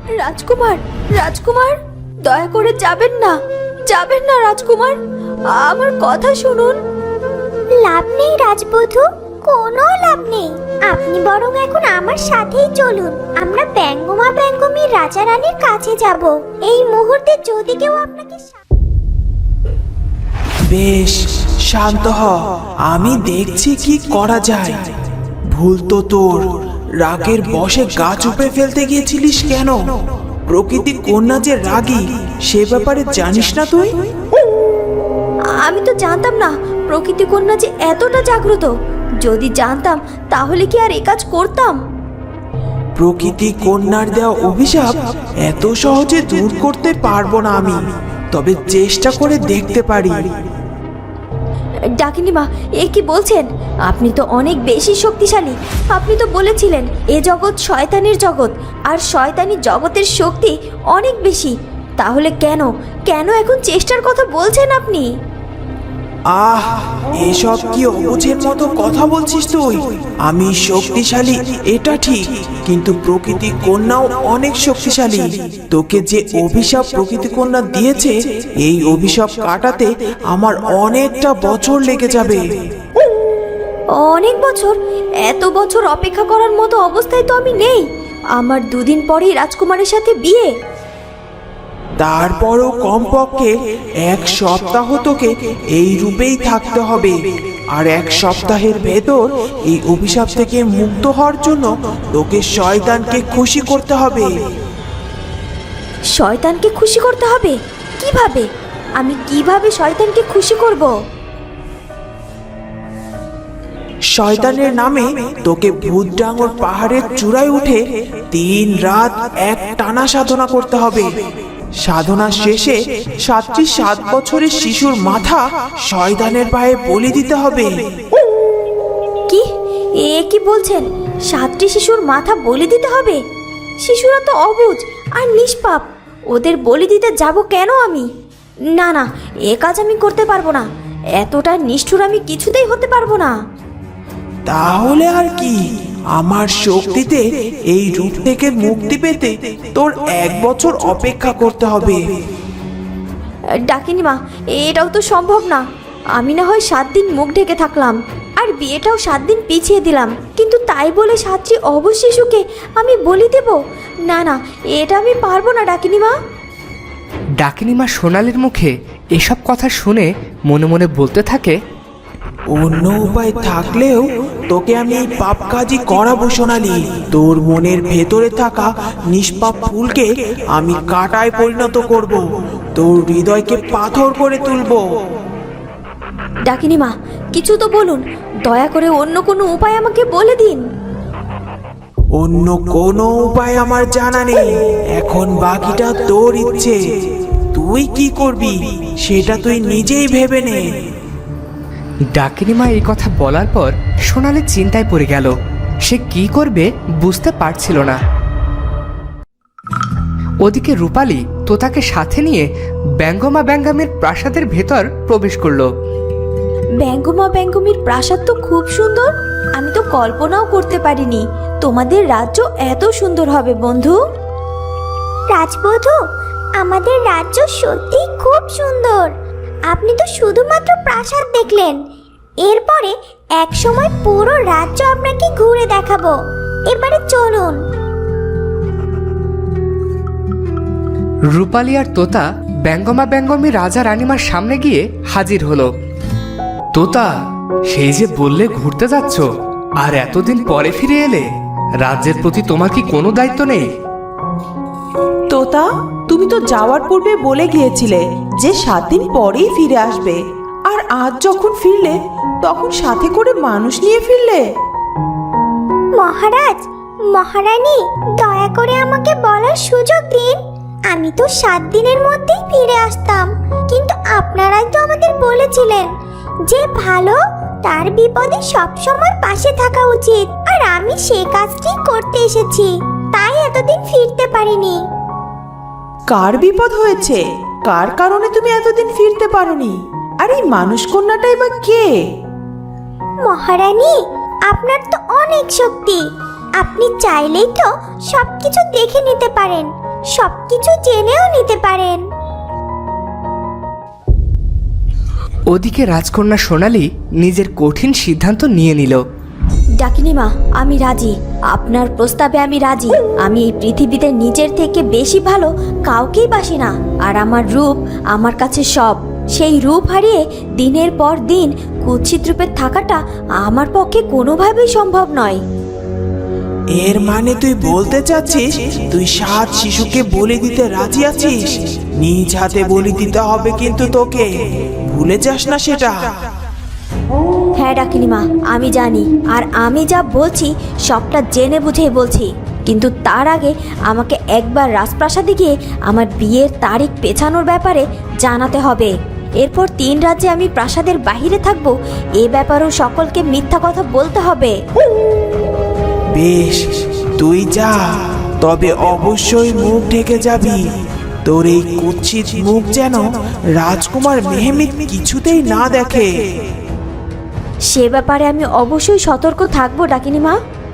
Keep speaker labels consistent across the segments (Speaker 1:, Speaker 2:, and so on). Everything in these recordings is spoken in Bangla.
Speaker 1: রাজকুমার, রাজকুমার, দয়া করে যাবেন না, যাবেন না রাজকুমার, আমার কথা শুনুন।
Speaker 2: লাভ নেই রাজবধূ, কোনো লাভ নেই। আপনি বরং এখন আমার সাথেই চলুন। আমরা ব্যঙ্গমা ব্যঙ্গমীর রাজা রানীর কাছে যাব। এই মুহূর্তে যদি কেউ আপনাকে
Speaker 3: বেশ, শান্ত হ, আমি দেখছি কি করা যায়। ভুল তো তোর, রাগের বশে গাছ উপড়ে ফেলতে গিয়েছিলিস কেন? প্রকৃতি কন্যা যে রাগী, সে ব্যাপারে জানিস না তুই?
Speaker 1: আমি তো জানতাম না প্রকৃতি কন্যা যে এতটা জাগ্রত। যদি জানতাম তাহলে কি আর এ কাজ করতাম?
Speaker 3: প্রকৃতি কন্যার দেওয়া অভিশাপ এত সহজে দূর করতে পারবো না আমি, তবে চেষ্টা করে দেখতে পারি।
Speaker 1: ডাকিনিমা, এ কি বলছেন? আপনি তো অনেক বেশি শক্তিশালী। আপনি তো বলেছিলেন এ জগৎ শয়তানের জগৎ, আর শয়তানি জগতের শক্তি অনেক বেশি। তাহলে কেন কেন এখন চেষ্টার কথা বলছেন আপনি?
Speaker 3: আহ, এসব কি অবুঝের মতো কথা বলছিস তুই? আমি শক্তিশালী এটা ঠিক, কিন্তু প্রকৃতি কন্যাও অনেক শক্তিশালী। তোকে যে অভিশাপ প্রকৃতি কন্যা দিয়েছে, এই অভিশাপ কাটাতে আমার অনেকটা বছর লেগে যাবে।
Speaker 1: অনেক বছর? এত বছর অপেক্ষা করার মতো অবস্থায় তো আমি নেই। আমার দুদিন পরেই রাজকুমারের সাথে বিয়ে।
Speaker 3: তারপরও কমপক্ষে 1 সপ্তাহ তোকে এই রূপেই থাকতে হবে, আর 1 সপ্তাহের ভেতর এই অভিশাপ থেকে মুক্ত হওয়ার জন্য তোকে শয়তানকে খুশি করতে হবে।
Speaker 1: শয়তানকে খুশি করতে হবে? কিভাবে? আমি কিভাবে শয়তানকে খুশি করব?
Speaker 3: শয়তানের নামে তোকে ভূতডাঙ্গর পাহাড়ের চূড়ায় উঠে 3 রাত এক টানা সাধনা করতে হবে। সাধনা শেষে 7টি 7 বছরের শিশুর মাথা শয়তানের পায়ে বলি দিতে হবে।
Speaker 1: কি? এ কি বলছেন? 7টি শিশুর মাথা বলি দিতে হবে? শিশুরা তো অবুঝ আর নিষ্পাপ, ওদের বলি দিতে যাব কেন আমি? না না, এ কাজ আমি করতে পারবো না। এতটা নিষ্ঠুর আমি কিছুতেই হতে পারবো না।
Speaker 3: তাহলে আর কি, আমার শক্তিতে এই রূপ থেকে মুক্তি পেতে তোর 1 বছর অপেক্ষা করতে হবে।
Speaker 1: ডাকিনিমা, এটাও তো সম্ভব না। আমি না হয় 7 দিন মুখ ঢেকে থাকলাম, আর বিয়েটাও 7 দিন পিছিয়ে দিলাম, কিন্তু তাই বলে 7টি অবুঝ শিশুকে আমি বলি দেব? না না, এটা আমি পারবো না ডাকিনিমা।
Speaker 4: ডাকিনিমা সোনালীর মুখে এসব কথা শুনে মনে মনে বলতে থাকে,
Speaker 3: অন্য উপায় থাকলেও তোকে আমি এই পাপ কাজই করাবো সোনালি। তোর মনের ভেতরে থাকা নিষ্পাপ ফুলকে আমি কাঁটায় পরিণত করব, তোর হৃদয়কে পাথর করে তুলবো।
Speaker 1: ডাকিনিমা, কিছু তো বলুন, দয়া করে অন্য কোনো উপায় আমাকে বলে দিন।
Speaker 3: অন্য কোনো উপায় আমার জানা নেই, এখন বাকিটা তোর ইচ্ছে। তুই কি করবি সেটা তুই নিজেই ভেবে নে।
Speaker 4: ডাকিনিমা এই কথা বলার পর সোনালী চিন্তায় পড়ে গেল। সে কি করবে বুঝতে পারছিল না। ওদিকে রূপালী তোতাকে সাথে নিয়ে ব্যঙ্গমা ব্যঙ্গামের প্রাসাদের ভেতর প্রবেশ করলো।
Speaker 1: ব্যঙ্গমা ব্যঙ্গমীর প্রাসাদ তো খুব সুন্দর। আমি তো কল্পনাও করতে পারিনি তোমাদের রাজ্য এত সুন্দর হবে বন্ধু।
Speaker 2: রাজবধূ, আমাদের রাজ্য সত্যি খুব সুন্দর। আপনি তো শুধুমাত্র প্রাসাদ দেখলেন, এরপরে এক সময় পুরো রাজ্য আপনাকে ঘুরে দেখাবো। এবারে চলুন।
Speaker 4: রূপালী আর তোতা ব্যঙ্গমা ব্যঙ্গমী রাজা রানীমার সামনে গিয়ে হাজির হলো। তোতা, সেই যে বললে ঘুরতে যাচ্ছ, আর এতদিন পরে ফিরে এলে, রাজ্যের প্রতি তোমার কি কোনো দায়িত্ব নেই?
Speaker 5: তোতা, তুমি তো যাওয়ার পূর্বে বলে গিয়েছিলে যে 7 দিন পরেই ফিরে আসবে, আর আজ যখন ফিরলে তখন সাথে করে মানুষ নিয়ে ফিরলে।
Speaker 2: মহারাজ, মহারানী, দয়া করে আমাকে বলার সুযোগ দিন। আমি তো 7 দিনের মধ্যেই ফিরে আসতাম, কিন্তু আপনারাই তো আমাদের বলেছিলেন যে ভালো তার বিপদে সবসময় পাশে থাকা উচিত, আর আমি সেই কাজটি করতে এসেছি, তাই এতদিন ফিরতে পারিনি।
Speaker 5: কার বিপদ হয়েছে? কার কারণে তুমি এতদিন ফিরতে পারোনি? আর এই মানুষ কন্যাটাই বা কে?
Speaker 2: মহারানী, আপনার তো অনেক শক্তি, আপনি চাইলেই তো সবকিছু দেখে নিতে পারেন, সবকিছু জেনেও নিতে পারেন।
Speaker 4: ওদিকে রাজকন্যা সোনালি নিজের কঠিন সিদ্ধান্ত নিয়ে নিল।
Speaker 1: ডাকিনিমা, আমি রাজি, আপনার প্রস্তাবে আমি রাজি। আমি এই পৃথিবীতে নিজের থেকে বেশি ভালো কাউকেই বাসি না, আর আমার রূপ আমার কাছে সব। সেই রূপ হারিয়ে দিনের পর দিন কুৎসিত রূপে থাকাটা আমার পক্ষে কোনোভাবেই সম্ভব নয়।
Speaker 3: এর মানে তুই বলতে চাচ্ছিস তুই 7 শিশুকে বলি দিতে রাজি আছিস? নিজ হাতে বলি দিতে হবে কিন্তু তোকে, ভুলে যাস না সেটা।
Speaker 1: হ্যাঁ ডাকিনিমা, আমি জানি, আর আমি যা বলছি সবটা জেনে বুঝেই বলছি। কিন্তু তার আগে আমাকে একবার রাজপ্রাসাদে গিয়ে আমার বিয়ের তারিখ পেছানোর ব্যাপারে জানাতে হবে। এরপর 3 রাজ্যে আমি প্রাসাদের বাহিরে থাকবো, এ ব্যাপারেও সকলকে মিথ্যা কথা বলতে হবে।
Speaker 3: বেশ, তুই যা, তবে অবশ্যই মুখ ঢেকে যাবি। তোর এই কুৎসিত মুখ যেন রাজকুমার মেহমিদ কিছুতেই না দেখে।
Speaker 1: সে ব্যাপারে আমি অবশ্যই সতর্ক থাকবো ডাকিনিমা।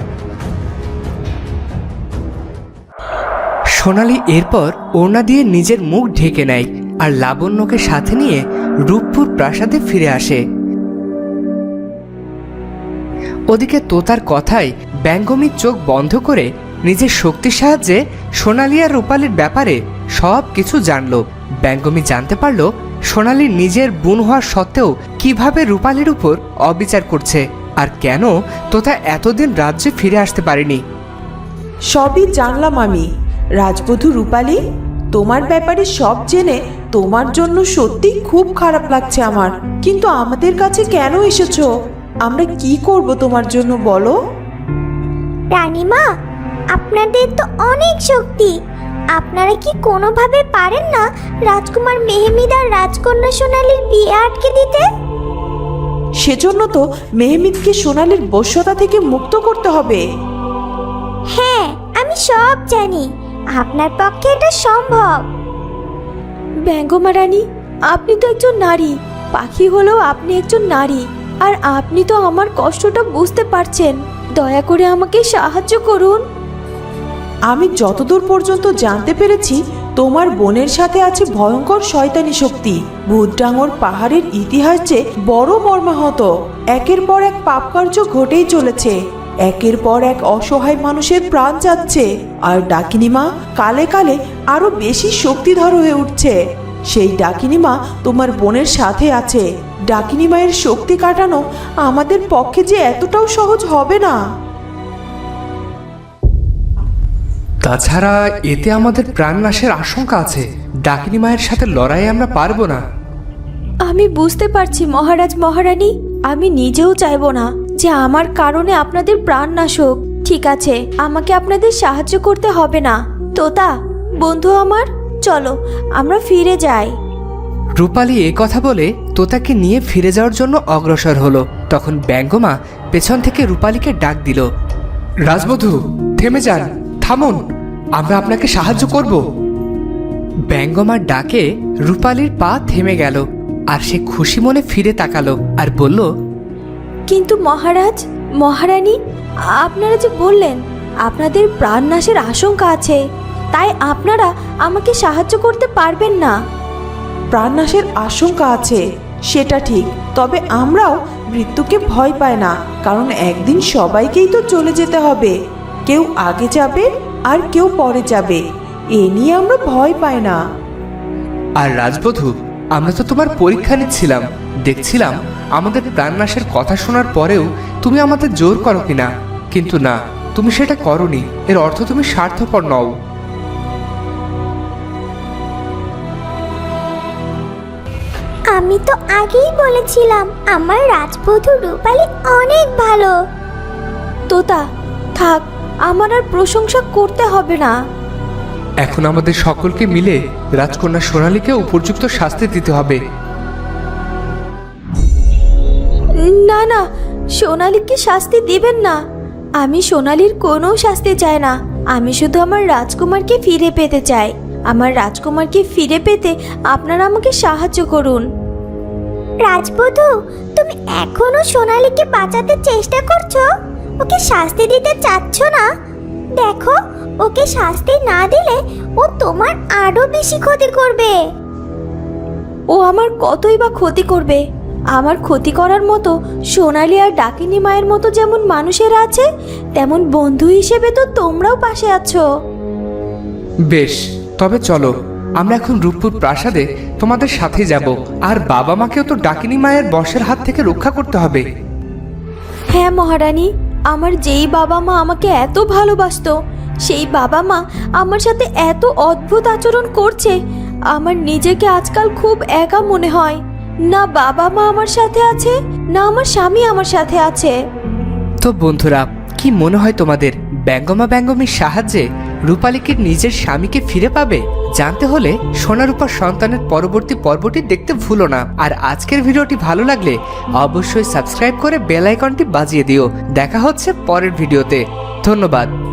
Speaker 4: সোনালি এরপর ওড়না দিয়ে নিজের মুখ ঢেকে নেয় আর লাবণ্যকে সাথে নিয়ে রূপপুর প্রাসাদে ফিরে আসে। ওদিকে তোতার কথায় ব্যঙ্গমীর চোখ বন্ধ করে নিজের শক্তির সাহায্যে সোনালি আর রূপালীর ব্যাপারে সব কিছু জানল। ব্যঙ্গমী জানতে পারল সোনালি নিজের বোন হওয়ার সত্ত্বেও কিভাবে রূপালীর উপর অবিচার করছে, আর কেন তোতা এতদিন রাজ্যে ফিরে আসতে পারেনি।
Speaker 5: সবই জানলাম আমি। রাজবধূ রূপালী, তোমার ব্যাপারে সব জেনে তোমার জন্য সত্যি খুব খারাপ লাগছে আমার। কিন্তু আমাদের কাছে কেন এসেছো? আমরা কি করব তোমার জন্য বলো?
Speaker 2: রানীমা, আপনাদের তো অনেক শক্তি, আপনারা কি কোনোভাবে পারেন না রাজকুমার মেহমিদ আর রাজকন্যা সোনালীর বিয়ে আটকে দিতে?
Speaker 5: সেজন্য তো মেহমিদকে সোনালীর বশ্যতা থেকে মুক্ত করতে হবে।
Speaker 2: হ্যাঁ, আমি সব জানি, আপনার পক্ষে এটা সম্ভব।
Speaker 1: ব্যঙ্গমা রানী, আপনি তো একজন নারী, পাখি হলেও আপনি একজন নারী, আর আপনি তো আমার কষ্টটা বুঝতে পারছেন। দয়া করে আমাকে সাহায্য করুন।
Speaker 5: আমি যতদূর পর্যন্ত জানতে পেরেছি, তোমার বোনের সাথে আছে ভয়ঙ্কর শয়তানি শক্তি। ভূতডাঙর পাহাড়ের ইতিহাস যে বড় মর্মাহত। একের পর এক পাপকার্য ঘটেই চলেছে, একের পর এক অসহায় মানুষের প্রাণ যাচ্ছে, আর ডাকিনিমা কালে কালে আরো বেশি শক্তিধর হয়ে উঠছে। সেই ডাকিনিমা তোমার বোনের সাথে আছে। ডাকিনিমায়ের শক্তি কাটানো আমাদের পক্ষে যে এতটাও সহজ হবে না।
Speaker 4: তাছাড়া এতে আমাদের প্রাণনাশের আশঙ্কা আছে। ডাকিনী মায়ের সাথে লড়াই আমরা পারবো না।
Speaker 1: আমি বুঝতে পারছি মহারাজ মহারানী, আমি নিজেও চাইবো না যে আমার কারণে আপনাদের প্রাণ নাশ হোক। ঠিক আছে, আমাকে আপনাদের সাহায্য করতে হবে না। তোতা বন্ধু আমার, চলো আমরা ফিরে যাই।
Speaker 4: রূপালী এ কথা বলে তোতাকে নিয়ে ফিরে যাওয়ার জন্য অগ্রসর হলো। তখন ব্যঙ্গমা পেছন থেকে রূপালীকে ডাক দিল। রাজবধূ, থেমে যান, থামুন, আমরা আপনাকে সাহায্য করব। ব্যঙ্গমার ডাকে রূপালীর পা থেমে গেল, আর সে খুশি মনে ফিরে তাকালো আর বলল,
Speaker 1: কিন্তু মহারাজ মহারানী, আপনারা যে বললেন আপনাদের প্রাণ নাশের আশঙ্কা আছে, তাই আপনারা আমাকে সাহায্য করতে পারবেন না।
Speaker 5: প্রাণনাশের আশঙ্কা আছে সেটা ঠিক, তবে আমরাও মৃত্যুকে ভয় পাই না, কারণ একদিন সবাইকেই তো চলে যেতে হবে। কেউ আগে যাবে আর কেউ পরে যাবে, এ নিয়ে আমরা ভয় পাই না।
Speaker 4: আর রাজবধূ, আমরা তো তোমার পরীক্ষা নিচ্ছিলাম, দেখছিলাম আমাদের প্রাণনাশের কথা শোনার পরেও তুমি আমাদের জোর করো কিনা। কিন্তু না, তুমি সেটা করনি। এর অর্থ তুমি স্বার্থপর নও।
Speaker 2: আমি তো আগেই বলেছিলাম আমার রাজবধূ রূপালী অনেক ভালো।
Speaker 1: তোতা থাক, আমার আর প্রশংসা করতে হবে না।
Speaker 4: এখন আমাদের সকলকে মিলে রাজকন্যা সোনালীকে উপযুক্ত শাস্তি দিতে হবে।
Speaker 1: না না, সোনালীকে শাস্তি দিবেন না। আমি সোনালীর কোনো শাস্তি চাই না। আমি শুধু আমার রাজকুমারকে ফিরে পেতে চাই। আমার রাজকুমারকে ফিরে পেতে আপনারা আমাকে সাহায্য করুন।
Speaker 2: রাজবধূ, তুমি এখনো সোনালীকে বাঁচাতে চেষ্টা করছো? ওকে শাস্তি দিতে চাচ্ছ না? দেখো, ওকে শাস্তি না দিলে ও তোমার আরো বেশি ক্ষতি করবে।
Speaker 1: ও আমার কতই বা ক্ষতি করবে। আমার ক্ষতি করার মতো সোনালি আর ডাকিনী মায়ের মতো যেমন মানুষেরা আছে, তেমন বন্ধু হিসেবে তো তোমরাও পাশে আছো।
Speaker 4: বেশ, তবে চলো আমরা এখন রূপপুর প্রাসাদে তোমাদের সাথে যাব। আর বাবা মাকেও তো ডাকিনী মায়ের বশের হাত থেকে রক্ষা করতে হবে।
Speaker 1: হ্যাঁ মহারানী, আমার যেই বাবা মা আমাকে এত ভালোবাসতো, সেই বাবা মা আমার সাথে এত অদ্ভুত আচরণ করছে। আমার নিজেকে আজকাল খুব একা মনে হয়। না বাবা মা আমার সাথে আছে, না আমার স্বামী আমার সাথে আছে।
Speaker 4: তো বন্ধুরা, কি মনে হয় তোমাদের ব্যঙ্গমা ব্যঙ্গমীর সাহায্যে রূপালী কি নিজের স্বামীকে ফিরে পাবে? জানতে হলে সোনারূপার সন্তানের পরবর্তী পর্বটি দেখতে ভুলো না। আর আজকের ভিডিওটি ভালো লাগলে অবশ্যই সাবস্ক্রাইব করে বেল আইকনটি বাজিয়ে দিও। দেখা হচ্ছে পরের ভিডিওতে। ধন্যবাদ।